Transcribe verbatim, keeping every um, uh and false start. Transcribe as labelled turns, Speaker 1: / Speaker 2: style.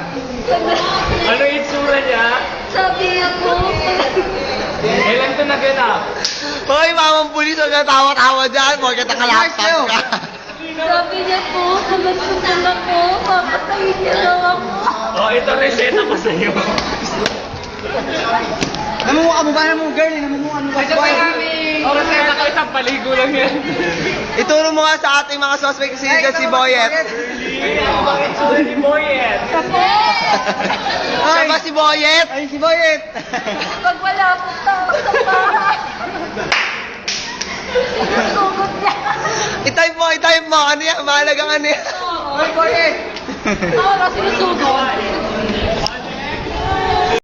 Speaker 1: Ano yung itsura niya?
Speaker 2: Sabi ako.
Speaker 1: Kailan ito naganap?
Speaker 3: Hoy, mamang pulis, huwag na tawa-tawa dyan. Huwag ka nakalaptop ka.
Speaker 2: Sabi niya po, kamatsunan ako. Papatayin niya lang ako.
Speaker 1: Oh, ito reseta pa sa'yo.
Speaker 4: Namumukha mo ba? Namumukha girl eh. Namumukha mo ba?
Speaker 1: Oh, reseta ko isang paligo lang yan.
Speaker 3: Ituro mo nga sa ating mga suspect si, si Boyet.
Speaker 1: Bakit itsura ni Boyet?
Speaker 3: Siya ba si Boyet?
Speaker 4: Ay, si Boyet.
Speaker 2: Pag wala po tao sa bahay. Sinusugod niya.
Speaker 3: I-type mo, i-type mo. Ano yan? Mahalagang ano yan?
Speaker 4: Ay, Boyet.
Speaker 2: Ako na sinusugod.